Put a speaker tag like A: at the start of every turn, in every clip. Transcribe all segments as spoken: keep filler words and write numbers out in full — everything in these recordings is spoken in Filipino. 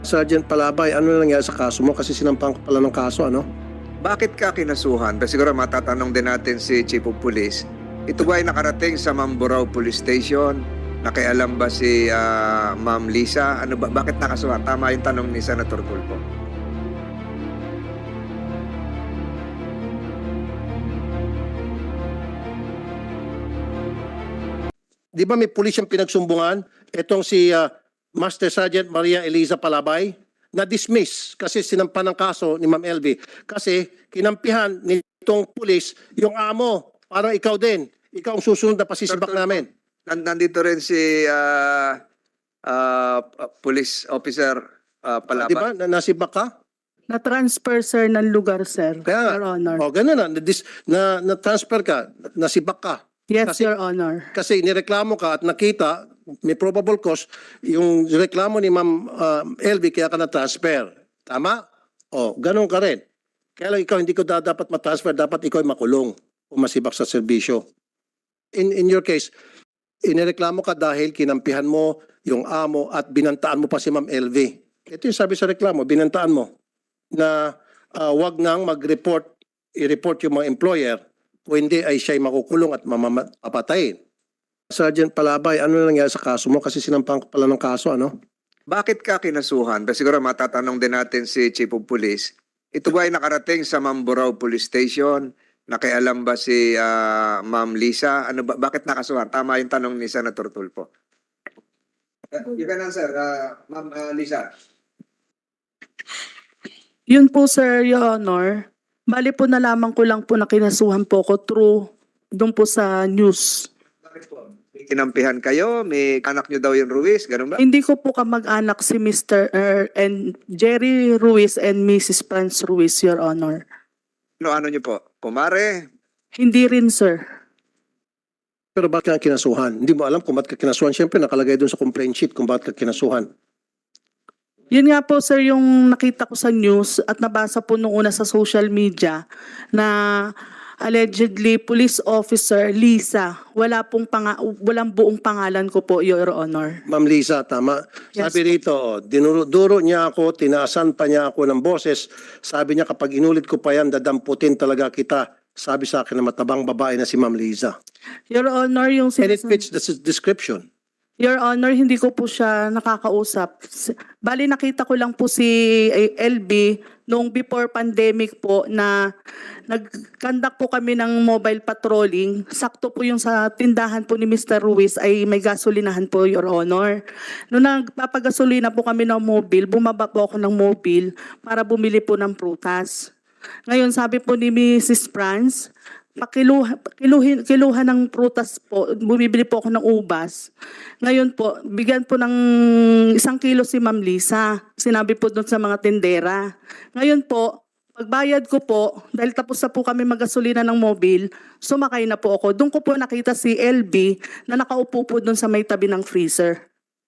A: Sergeant Palabay, ano na nangyari sa kaso mo? Kasi sinampang ka pala ng kaso, ano?
B: Bakit ka kinasuhan? Kasi siguro matatanong din natin si Chief of Police. Ito ba ay nakarating sa Mamburao Police Station? Nakialam ba si ah, Ma'am Lisa? Ano ba, bakit nakasuhan? Tama yung tanong ni Senator Tulfo.
A: Di ba may pulis yung pinagsumbungan? Itong si ah, Master Sergeant Maria Eliza Palabay na-dismiss kasi sinampan ng kaso ni Ma'am L V. Kasi kinampihan nitong pulis yung amo. Parang ikaw din. Ikaw ang susunod na pasisibak
B: Sir,
A: namin.
B: Nan- Nandito rin si ah, ah, Police Officer ah,
A: Di ba?
B: Palabay.
A: Na nasibak ka?
C: Na-transfer, sir, ng lugar, sir.
A: Kaya,
C: Your Honor.
A: o ganun na. Na-dis- Na, na-transfer ka. Nasibak ka.
C: Yes,
A: kasi-
C: Your Honor.
A: Kasi nireklamo ka at nakita, may probable cause, yung reklamo ni Ma'am uh, L V kaya ka na-transfer. Tama? O, ganun ka rin. Kaya lang ikaw hindi ko da- dapat matransfer, dapat ikaw ay makulong o masibak sa serbisyo. In, in your case, inireklamo ka dahil kinampihan mo yung amo at binantaan mo pa si Ma'am L V. Ito yung sabi sa reklamo, binantaan mo na uh, wag nang mag-report, i-report yung mga employer o hindi ay siya'y makukulong at mamapatayin. Sergeant Palabay, ano na nangyari sa kaso mo? Kasi sinampang ka pala ng kaso, ano?
B: Bakit ka kinasuhan? Kasi siguro matatanong din natin si Chief of Police. Ito ba ay nakarating sa Mamburao Police Station? Nakialam ba si ah, Ma'am Lisa? Ano ba, bakit nakasuhan? Tama yung tanong ni Senator Tulfo. Uh, you can answer, uh, Ma'am uh, Lisa.
C: Yun po, sir, Your Honor. Bali po nalaman ko lang po na kinasuhan po ko through doon po sa news.
B: Bakit po? May kinampihan kayo? May anak nyo daw yung Ruiz? Ganun ba?
C: Hindi ko po kamag-anak si Mister Er and Jerry Ruiz and Missus Franz Ruiz, Your Honor.
B: Ano, ano nyo po? Kumare?
C: Hindi rin, sir.
A: Pero bakit ka kinasuhan? Hindi mo alam kung bakit ka kinasuhan. Siyempre, nakalagay doon sa complaint sheet kung bakit ka kinasuhan.
C: Yun nga po, sir, yung nakita ko sa news at nabasa po nung una sa social media na allegedly police officer Lisa, wala pong panga, walang buong pangalan ko po, Your Honor.
A: Ma'am Lisa, tama.
C: Yes,
A: Sabi rito, oh, dinuro niya ako, tinaasan pa niya ako ng boses. Sabi niya, kapag inulit ko pa yan, dadamputin talaga kita. Sabi sa akin na matabang babae na si Ma'am Lisa.
C: Your Honor, yung
A: And it
C: sinas-
A: fits the s- description.
C: Your Honor, hindi ko po siya nakakausap. S- Bali, nakita ko lang po si eh, L B noong before pandemic po na nag-conduct po kami ng mobile patrolling. Sakto po yung sa tindahan po ni Mister Ruiz ay may gasolinahan po, Your Honor. Noong nagpapagasolina po kami ng mobile, bumaba po ako ng mobile para bumili po ng prutas. Ngayon, sabi po ni Missus Franz, pakiluha, kiluhin, kiluhan ng prutas po, bumibili po ako ng ubas. Ngayon po, bigyan po ng isang kilo si Ma'am Lisa. Sinabi po doon sa mga tindera. Ngayon po, pagbayad ko po, dahil tapos na po kami magasolina ng mobil, sumakay na po ako. Doon ko po nakita si L B na nakaupo po doon sa may tabi ng freezer.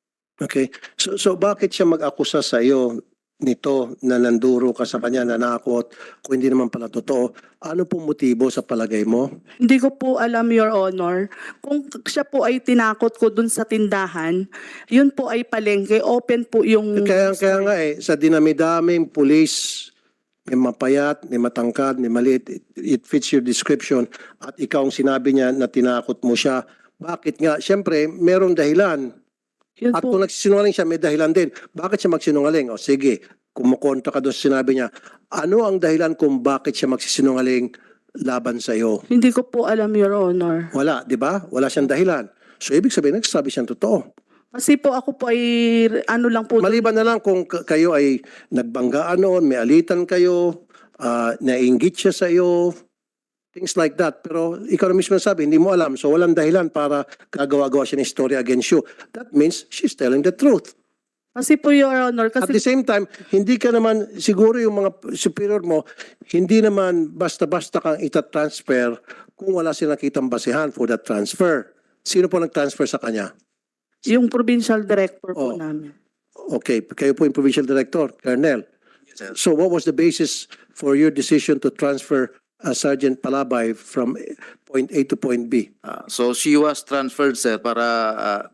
A: Okay. So, so bakit siya mag-akusa sa iyo nito na nanduro ka sa kanya, nanakot, kung hindi naman pala totoo? Ano pong motibo sa palagay mo?
C: Hindi ko po alam, Your Honor. Kung siya po ay tinakot ko dun sa tindahan, yun po ay palengke. Open po yung...
A: Kaya, kaya nga eh, sa dinami-daming pulis, may mapayat, may matangkad, may maliit, it, it fits your description, at ikaw ang sinabi niya na tinakot mo siya. Bakit nga? Siyempre, merong dahilan.
C: Yun
A: At
C: po.
A: kung nagsisinungaling siya, may dahilan din. Bakit siya magsinungaling? O sige, kumukontra ka doon sa sinabi niya. Ano ang dahilan kung bakit siya magsisinungaling laban sa iyo?
C: Hindi ko po alam, Your Honor.
A: Wala, di ba? Wala siyang dahilan. So, ibig sabihin, nagsasabi siyang totoo.
C: Kasi po ako po ay ano lang po.
A: Maliban na lang kung k- kayo ay nagbanggaan noon, may alitan kayo, ah, nainggit siya sa iyo, things like that. Pero ikaw na mismo sabi, hindi mo alam. So walang dahilan para gagawa-gawa siya ng story against you. That means she's telling the truth.
C: Kasi po, Your Honor,
A: At the
C: kasi
A: same time, hindi ka naman, siguro yung mga superior mo, hindi naman basta-basta kang itatransfer kung wala silang nakitang basihan for that transfer. Sino po nag-transfer sa kanya?
C: yung provincial director po
A: Oh.
C: namin.
A: Okay, kayo po yung provincial director, Colonel. So what was the basis for your decision to transfer uh, Sergeant Palabay from point A to point B?
D: Ah, so she was transferred, sir, para ah,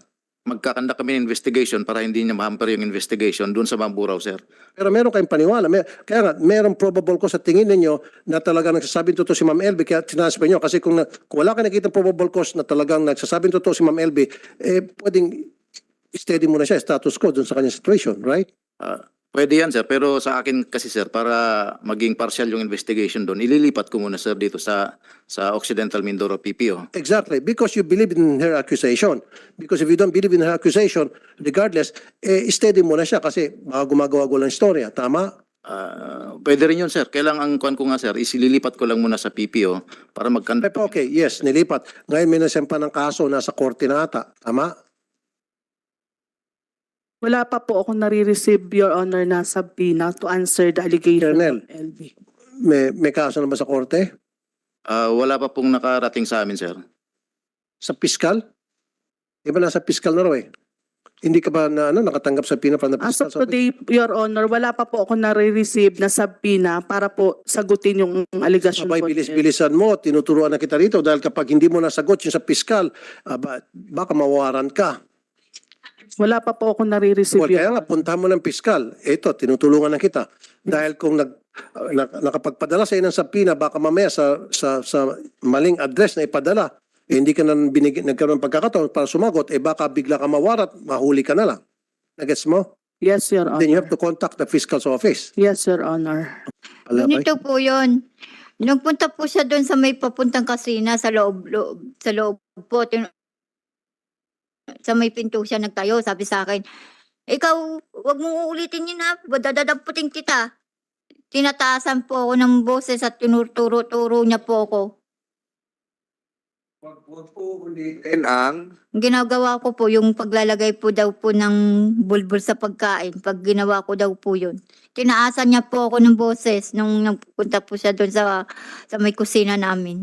D: magkakanda kami ng investigation para hindi niya ma-hamper yung investigation doon sa Mamburao, sir.
A: Pero meron kayong paniwala. May, kaya nga, meron probable cause sa tingin ninyo na talagang nagsasabing totoo si Ma'am L B kaya tinasper nyo. Kasi kung, na, kung wala kayo nakita probable cause na talagang nagsasabing totoo si Ma'am L B, eh pwedeng steady muna siya, status quo dun sa kanyang situation, right?
D: Ah, pwede yan, sir. Pero sa akin kasi, sir, para maging partial yung investigation doon, ililipat ko muna, sir, dito sa sa Occidental Mindoro P P O.
A: Exactly. Because you believe in her accusation. Because if you don't believe in her accusation, regardless, eh, steady muna siya kasi baka gumagawa-gawa ng istorya. Tama?
D: Ah, pwede rin yun, sir. Kailangan ang kuan ko nga, sir, isililipat ko lang muna sa P P O para magkanda.
A: Eh, Okay, yes, nilipat. Ngayon may nasempa ng kaso, nasa korte na ata. Tama?
C: Wala pa po ako nare-receive, Your Honor, na subpoena to answer the allegation
A: Colonel.
C: of L B.
A: May, may kaso na ba sa korte?
D: Ah, wala pa pong nakarating sa amin, sir.
A: Sa piskal? Di ba nasa piskal na raw eh? Hindi ka ba na, ano, nakatanggap sa pina from the
C: As
A: piskal?
C: of today, Your Honor, wala pa po ako nare-receive na subpoena para po sagutin yung allegation
A: Abay,
C: po.
A: bilis-bilisan mo, tinuturuan na kita rito dahil kapag hindi mo nasagot yung sa piskal, aba, baka mawawaran ka.
C: Wala pa po ako nare-receive.
A: Well, kaya nga, puntahan mo ng piskal. Ito, tinutulungan na kita. Dahil kung nag, uh, na, nakapagpadala sa ng sapina, baka mamaya sa, sa, sa maling address na ipadala, eh, hindi ka na binig, nagkaroon ng pagkakataon para sumagot, eh baka bigla ka mawarat, mahuli ka na lang. Nagets mo?
C: Yes, Your
A: Then you
C: Honor.
A: have to contact the fiscal's office.
C: Yes, Your Honor.
A: Alabay?
E: Ganito po yun. Nagpunta po siya doon sa may papuntang kasina sa loob, loob sa loob po. Tin- sa may pinto siya nagtayo. Sabi sa akin, ikaw, wag mong uulitin yun ha. Dadadaputin kita. Tinataasan po ako ng boses at tinuturo-turo niya po ako.
B: Wag wag po ulitin ang
E: Ang ginagawa ko po, yung paglalagay po daw po ng bulbul sa pagkain. Pag ginawa ko daw po yun. Tinaasan niya po ako ng boses nung nagpunta po siya doon sa, sa may kusina namin.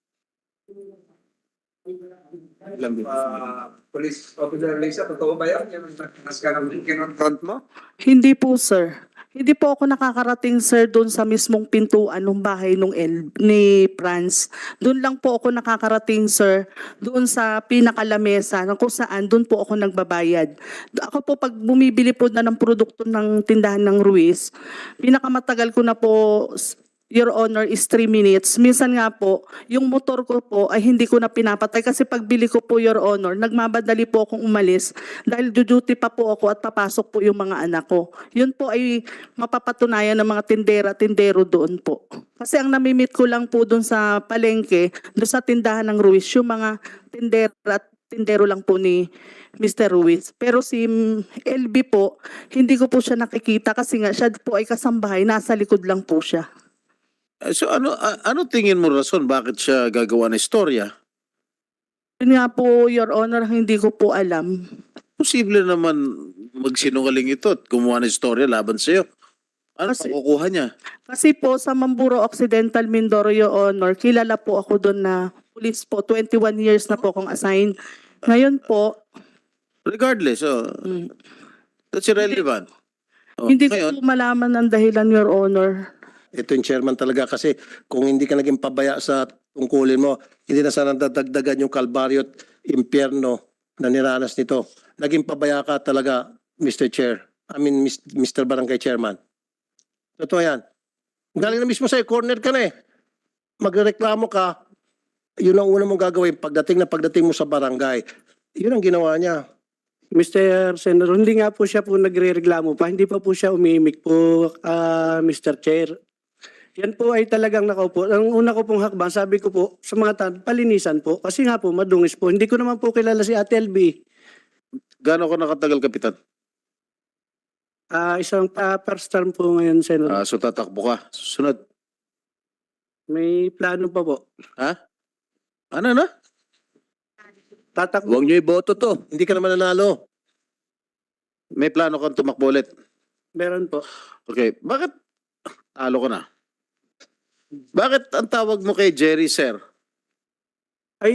B: uh, police officer Lisa, totoo ba yan? Yung nas ka ng kinonfront mo?
C: Hindi po, sir. Hindi po ako nakakarating, sir, doon sa mismong pintuan ng bahay nung El, ni Franz. Doon lang po ako nakakarating, sir, doon sa pinakalamesa na kung saan doon po ako nagbabayad. Ako po, pag bumibili po na ng produkto ng tindahan ng Ruiz, pinakamatagal ko na po, Your Honor, is three minutes. Minsan nga po, yung motor ko po ay hindi ko na pinapatay kasi pagbili ko po, Your Honor, nagmamadali po akong umalis dahil duty pa po ako at papasok po yung mga anak ko. Yun po ay mapapatunayan ng mga tindera-tindero doon po. Kasi ang namimit ko lang po doon sa palengke, doon sa tindahan ng Ruiz, yung mga tindera at tindero lang po ni Mister Ruiz. Pero si L B po, hindi ko po siya nakikita kasi nga siya po ay kasambahay, nasa likod lang po siya.
F: Eh, So ano a- ano tingin mo rason bakit siya gagawa ng istorya?
C: Yun nga po, Your Honor, hindi ko po alam.
F: Posible naman magsinungaling ito at gumawa ng istorya laban sa iyo. Ano
C: Kasi-
F: makukuha niya?
C: Kasi po sa Mamburo Occidental Mindoro, Your Honor, kilala po ako doon na police po. twenty-one years na po akong assigned. Ngayon po,
F: Regardless, oh,
C: mm,
F: that's irrelevant. Oh,
C: hindi ko
F: ngayon,
C: po malaman ang dahilan, Your Honor.
A: Ito yung chairman talaga kasi kung hindi ka naging pabaya sa tungkulin mo, hindi na sana dadagdagan yung kalbaryo at impyerno na niranas nito. Naging pabaya ka talaga, Mister Chair. I mean, Mister Barangay Chairman. Totoo yan. Galing na mismo sa'yo, corner ka na eh. Magreklamo ka, yun ang una mong gagawin pagdating na pagdating mo sa barangay. Yun ang ginawa niya.
G: Mister Senator, hindi nga po siya po nagre-reklamo pa. Hindi pa po siya umimik po, ah, Mister Chair. Yan po ay talagang nakaupo. Ang una ko pong hakbang, sabi ko po sa mga tan, palinisan po. Kasi nga po, madungis po. Hindi ko naman po kilala si Ate L B.
F: gaano ko nakatagal, Kapitan?
G: Ah, isang ah, first term po ngayon, Senator.
F: Ah, so tatakbo ka. Susunod.
G: May plano pa po.
F: Ha? Ano na?
G: Tatakbo.
F: Huwag niyo iboto to.
A: Hindi ka naman nanalo.
F: May plano kang tumakbo ulit.
G: Meron po.
F: Okay, bakit talo ko na? Bakit ang tawag mo kay Jerry, sir?
G: Ay,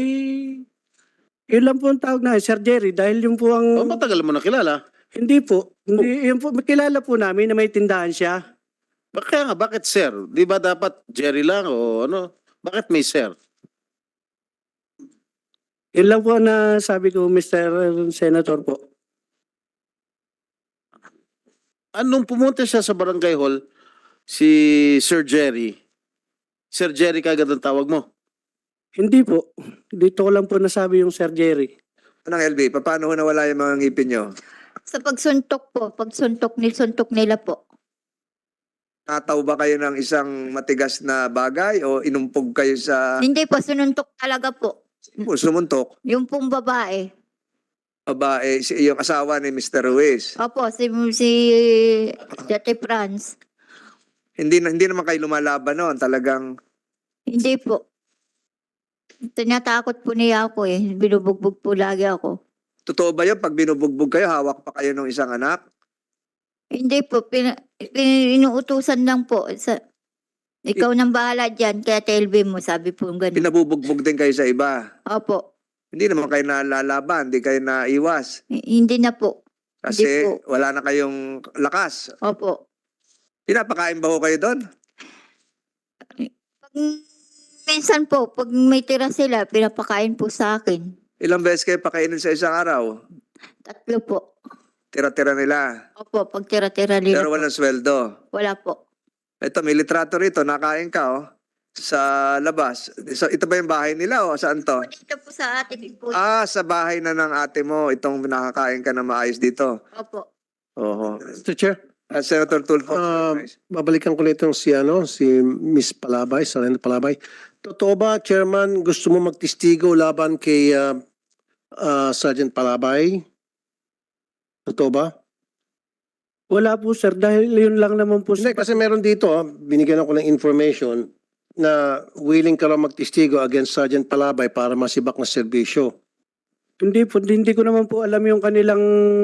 G: yun lang po ang tawag na, Sir Jerry. Dahil yung po ang...
F: Oh, matagal mo na kilala.
G: Hindi po. Hindi, yun po, kilala po namin na may tindahan siya.
F: Ba- Kaya nga, bakit sir? Di ba dapat Jerry lang o ano? Bakit may sir?
G: Yun lang po na sabi ko, Mister Senator po.
F: Anong pumunta siya sa barangay hall, si Sir Jerry, Sir Jerry kagad ang tawag mo?
G: Hindi po. Dito ko lang po nasabi yung Sir Jerry.
B: Anong L B, paano ho nawala yung mga ngipin nyo?
E: Sa pagsuntok po, pagsuntok ni suntok nila po.
B: Nataw ba kayo ng isang matigas na bagay o inumpog kayo sa
E: Hindi po, sununtok talaga po.
B: sumuntok?
E: Yung pong babae.
B: Babae, si, yung asawa ni Mister Ruiz.
E: Opo, si, si Jate Franz.
B: Hindi, na- hindi naman kayo lumalaban noon. Talagang
E: Hindi po. Tinatakot po niya ako eh. Binubugbog po lagi ako.
B: totoo ba yun? Pag binubugbog kayo, hawak pa kayo ng isang anak?
E: Hindi po, pin, pin, inuutusan lang po. Sa, ikaw nang bahala dyan, kaya T L B mo, sabi po ganun.
B: Pinabubugbog din kayo sa iba.
E: Opo,
B: Hindi naman kayo nalalaban, hindi kayo naiwas.
E: h- hindi na po.
B: Kasi
E: Hindi
B: wala na kayong lakas.
E: Opo.
B: Pinapakain ba ho kayo doon?
E: Pag, minsan po, pag may tira sila, pinapakain po sa akin.
B: Ilang beses kayo pakainin sa isang araw?
E: Tatlo po.
B: Tira-tira nila.
E: Opo, pag tira-tira nila
B: Pero
E: po.
B: walang sweldo.
E: Wala po.
B: Ito, may litrato rito. Nakain ka, oh. Sa labas. So, ito ba yung bahay nila, o saan to?
E: Dito po sa atin po.
B: Ah, sa bahay na ng ate mo. Itong nakakain ka na maayos dito.
E: Opo.
B: Oo.
A: Mister Chair,
B: Ah, Senator Tulfo.
A: Ah, babalikan ko na itong si, ano, si Miss Palabay, Sarena Palabay. Totoo ba, Chairman, gusto mo magtistigo laban kay ah, ah, Sergeant Palabay? Totoo ba?
G: Wala po sir, dahil yun lang naman po.
A: Hindi, kasi meron dito, ah, binigyan ako ng information na willing ka raw magtistigo against Sergeant Palabay para masibak na serbisyo.
G: Hindi po, hindi ko naman po alam yung kanilang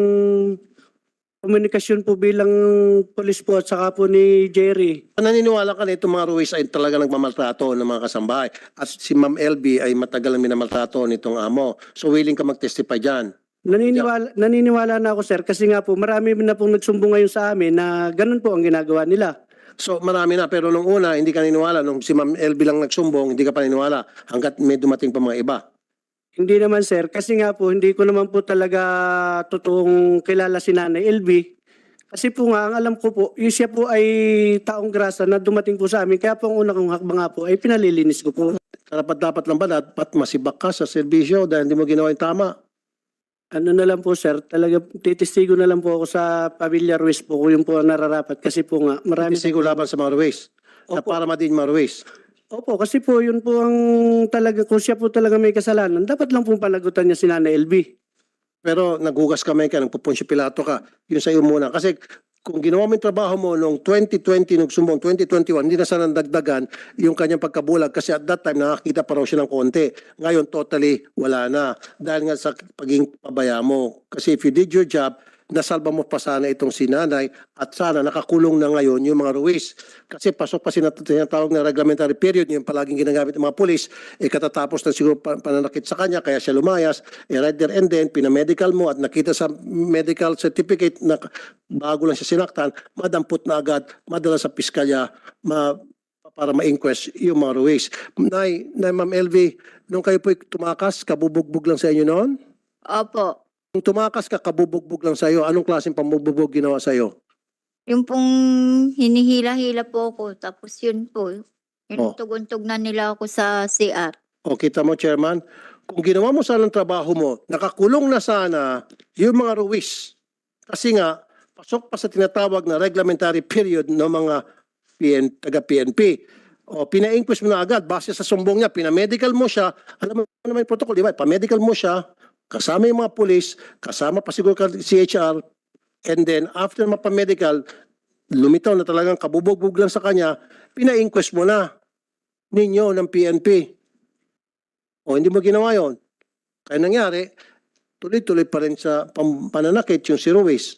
G: komunikasyon po bilang polis po at saka po ni Jerry.
A: Naniniwala ka na itong mga Ruiz ay talaga nagmamaltrato ng mga kasambahay. At si Ma'am L B ay matagal na minamaltrato nitong amo. So willing ka mag-testify dyan.
G: Naniniwala, naniniwala na ako sir kasi nga po marami na pong nagsumbong ngayon sa amin na ganun po ang ginagawa nila.
A: So marami na, pero nung una hindi ka naniniwala. Nung si Ma'am L B lang nagsumbong, hindi ka pa naniniwala hanggat may dumating pa mga iba.
G: Hindi naman sir, kasi nga po hindi ko naman po talaga totoong kilala si Nanay L B. Kasi po nga, ang alam ko po, yung siya po ay taong grasa na dumating po sa amin. Kaya po ang una kong hakbang nga po ay pinalilinis ko po.
A: Dapat dapat lang ba dapat masibak ka sa serbisyo dahil hindi mo ginawa yung tama?
G: Ano na lang po sir, talaga titistigo na lang po ako sa Pamilya Ruiz po kung yung po ang nararapat. Kasi po nga, marami...
A: Hindi siguro laban sa mga Ruiz. Na
G: Opo.
A: para madin mga Ruiz.
G: Opo, kasi po yun po ang talaga, kung siya po talaga may kasalanan, dapat lang po panagutan niya si Nanay L B.
A: Pero naghugas kamay ka, nagpupunsyo pilato ka. Yun sa iyo muna. Kasi kung ginawa mo yung trabaho mo noong twenty twenty, nung sumbong twenty twenty-one, hindi na sana dagdagan yung kanyang pagkabulag kasi at that time nakakita pa raw siya ng konti. Ngayon totally wala na. Dahil nga sa pagiging pabaya mo. Kasi if you did your job, nasalba mo pa sana itong si nanay at sana nakakulong na ngayon yung mga Ruiz. Kasi pasok pa sinatawag na reglementary period, yung palaging ginagamit ng mga pulis, eh katatapos na siguro pa- pananakit sa kanya, kaya siya lumayas, eh right there and then, pinamedical mo at nakita sa medical certificate na bago lang siya sinaktan, madampot na agad, madala sa piskalya, ma para ma-inquest yung mga Ruiz. Nay, Nay Ma'am L V, nung kayo po tumakas, kabubugbog lang sa inyo noon?
E: Opo.
A: Kung tumakas ka, kabubugbog lang sa'yo, anong klaseng pambubugbog ginawa sa'yo?
E: Yung pong hinihila-hila po ako. Tapos yun po.
A: Oh.
E: Inutugon-tug na nila ako sa C R.
A: O kita mo, Chairman, kung ginawa mo sana ang trabaho mo, nakakulong na sana yung mga Ruiz. Kasi nga, pasok pa sa tinatawag na reglementary period ng mga P N, taga-P N P. O, pina-inquest mo na agad, base sa sumbong niya, pinamedical mo siya, alam mo naman yung protocol, di ba? Pa-medical mo siya, kasama yung mga pulis, kasama pa siguro ka C H R, and then after mapamedical, lumitaw na talagang kabubugbog lang sa kanya, pina-inquest mo na ninyo ng P N P. O hindi mo ginawa yon. Kaya nangyari, tuloy-tuloy pa rin sa pam- pananakit yung si Ruiz.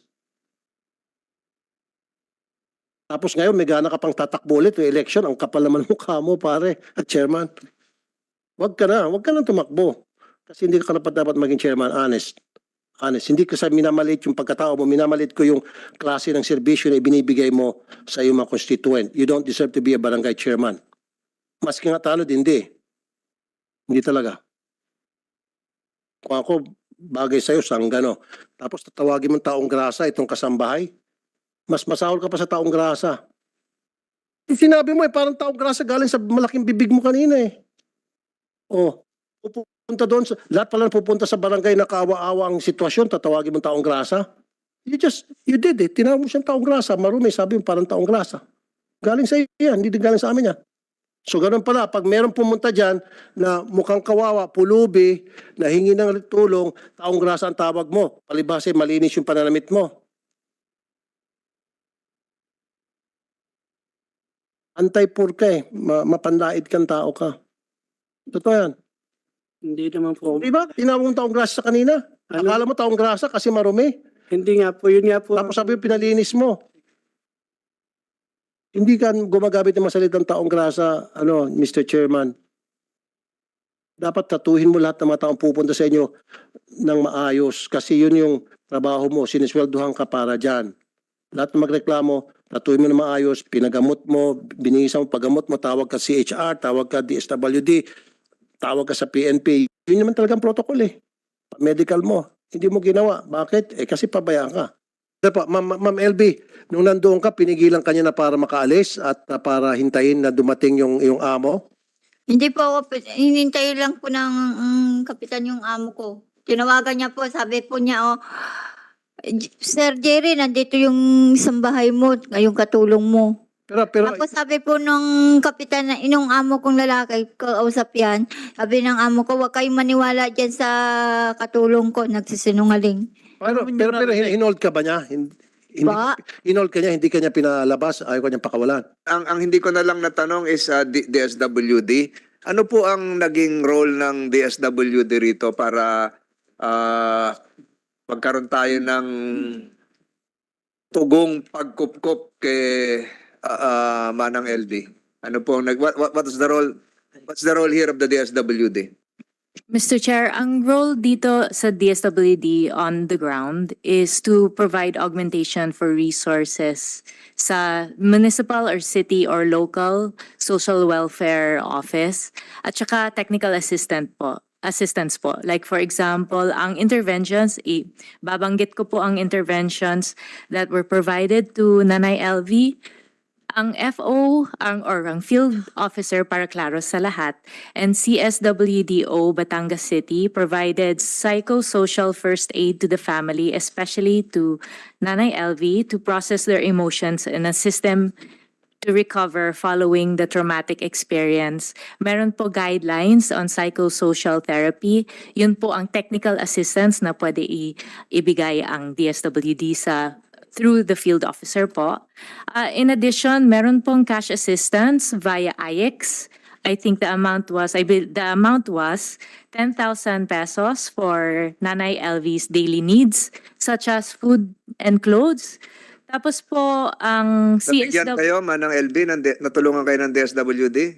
A: Tapos ngayon, may gana ka pang tatakbo ulit yung election, ang kapal naman mukha mo, pare, at chairman. Wag ka na, wag ka na tumakbo. Kasi hindi ka dapat dapat maging chairman, honest. Honest. Hindi ko sa minamalit yung pagkatao mo, minamalit ko yung klase ng serbisyo na ibinibigay mo sa iyong mga constituent. You don't deserve to be a barangay chairman. Maski nga talo, hindi. Hindi talaga. kung ako bagay sa'yo, sanggano. Tapos tatawagin mo taong grasa itong kasambahay. Mas masahol ka pa sa taong grasa. Yung sinabi mo eh, parang taong grasa galing sa malaking bibig mo kanina eh. Oh, pupunta doon, sa, lahat pala pupunta sa barangay na kaawa-awa ang sitwasyon, tatawagin mo taong grasa. You just, you did it. Tinawag mo siyang taong grasa, marumi, sabi mo parang taong grasa. Galing sa iyo yan, hindi din galing sa amin yan. So ganun pala, pag meron pumunta dyan na mukhang kawawa, pulubi, na hingi ng tulong, taong grasa ang tawag mo. Palibhasa, malinis yung pananamit mo. Antay-poor ka eh. Ma mapanlait kang tao ka. Totoo yan.
G: Hindi naman po.
A: Di ba? Tinawag mo taong grasa kanina.
G: Ano?
A: Akala mo taong grasa kasi marumi.
G: Hindi nga po, yun nga po.
A: Tapos sabi mo, pinalinis mo. Hindi ka gumagamit ng masalitang taong grasa, ano, Mister Chairman. Dapat tatuhin mo lahat ng mga taong pupunta sa inyo ng maayos kasi yun yung trabaho mo, sinisweldohan ka para dyan. Lahat ng magreklamo, tatuhin mo ng maayos, pinagamot mo, binigisa mo, paggamot mo, tawag ka C H R, tawag ka D S W D, tawag ka sa P N P. Yun naman talagang protocol eh. Medical mo, hindi mo ginawa. Bakit? Eh kasi pabayaan ka. Po, Ma'am Ma'am L B, nung nandoon ka, pinigilan ka niya na para makaalis at uh, para hintayin na dumating yung, yung amo?
E: Hindi po ako, pi- hinintay lang po ng mm, kapitan yung amo ko. Tinawagan niya po, sabi po niya, oh, Sir Jerry, nandito yung isang bahay mo, yung katulong mo.
A: Pero, pero,
E: Tapos sabi po nung kapitan, na inong amo kong lalaki, kausap yan, sabi ng amo ko, huwag kayong maniwala dyan sa katulong ko, nagsisinungaling.
A: pero, pero, pero hin- hinold ka ba niya? Hin- Hindi,
E: Ba?
A: hinold ka niya, hindi ka niya pinalabas, ayaw ka niya pakawalan.
B: Ang, ang hindi ko na lang natanong is uh, D- DSWD. Ano po ang naging role ng D S W D rito para ah, magkaroon tayo ng tugong pagkupkup kay ah, ah, Manang L B? Ano po ang nag what, what what is the role what's the role here of the D S W D?
H: Mister Chair, ang role dito sa D S W D on the ground is to provide augmentation for resources sa municipal or city or local social welfare office at saka technical assistant po. Assistance po. Like for example, ang interventions, i babanggit ko po ang interventions that were provided to Nanay L V. Ang F O, ang, or ang field officer para klaro sa lahat, and C S W D O Batangas City provided psychosocial first aid to the family, especially to Nanay L V, to process their emotions and assist them to recover following the traumatic experience. Meron po guidelines on psychosocial therapy. Yun po ang technical assistance na pwede i- ibigay ang D S W D sa through the field officer po. Uh, in addition, meron pong cash assistance via I X. I think the amount was, I be, the amount was ten thousand pesos for Nanay L V's daily needs, such as food and clothes. Tapos po, ang C S
B: Nabigyan
H: W...
B: kayo, Manang L B, ng D- natulungan kayo ng D S W D?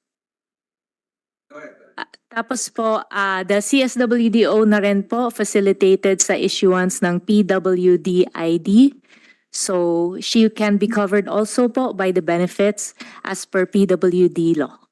H: Tapos po, ah, the C S W D O na rin po facilitated sa issuance ng P W D I D. So, she can be covered also po by the benefits as per P W D law.